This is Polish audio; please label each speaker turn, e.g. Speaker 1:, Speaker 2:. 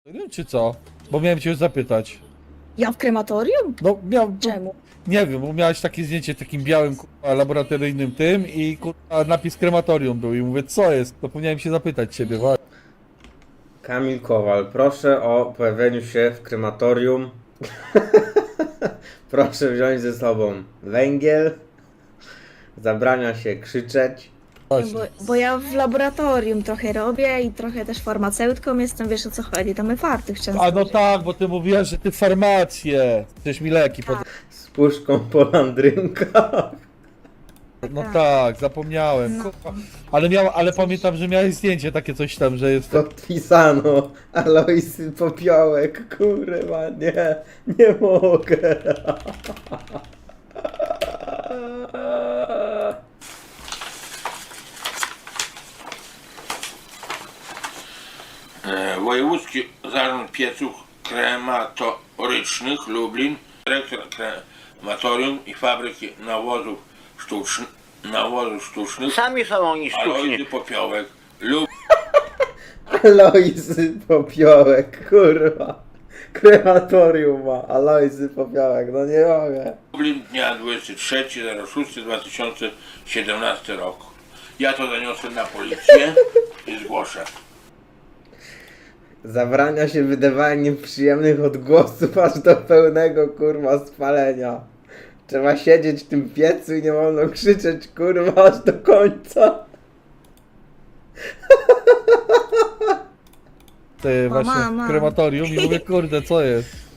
Speaker 1: Czy co? Bo miałem cię już zapytać.
Speaker 2: Ja w krematorium?
Speaker 1: No miałem,
Speaker 2: Czemu?
Speaker 1: nie wiem, bo miałeś takie zdjęcie w takim białym kurwa, laboratoryjnym tym i kurwa, napis krematorium był i mówię, co jest? To powinienem się zapytać ciebie, właśnie.
Speaker 3: Kamil Kowal, proszę o pojawieniu się w krematorium. Proszę wziąć ze sobą węgiel. Zabrania się krzyczeć.
Speaker 2: Bo ja w laboratorium trochę robię i trochę też farmaceutką jestem, wiesz o co chodzi, tam my fartych często.
Speaker 1: A no tak, bo ty mówiłaś, że ty farmację. Chcesz mi leki pod...
Speaker 3: Z puszką po landrynkach.
Speaker 1: No tak, zapomniałem. Kurwa. Ale pamiętam, że miałeś zdjęcie takie coś tam, że jest...
Speaker 3: Podpisano Alojzy Popiołek. Kurwa, nie mogę.
Speaker 4: Wojewódzki Zarząd Pieców Krematorycznych Lublin, dyrektor krematorium i fabryki nawozów sztucznych
Speaker 5: Sami są oni sztucznie.
Speaker 4: Alojzy Popiołek,
Speaker 3: Alojzy Popiołek, kurwa. Krematorium ma Alojzy Popiołek, no nie mogę.
Speaker 4: Lublin dnia 23.06.2017 roku. Ja to zaniosę na policję i zgłoszę.
Speaker 3: Zabrania się wydawania nieprzyjemnych odgłosów aż do pełnego kurwa spalenia. Trzeba siedzieć w tym piecu i nie wolno krzyczeć kurwa aż do końca.
Speaker 1: Ty właśnie
Speaker 2: Mama.
Speaker 1: w krematorium i mówię, kurde, co jest?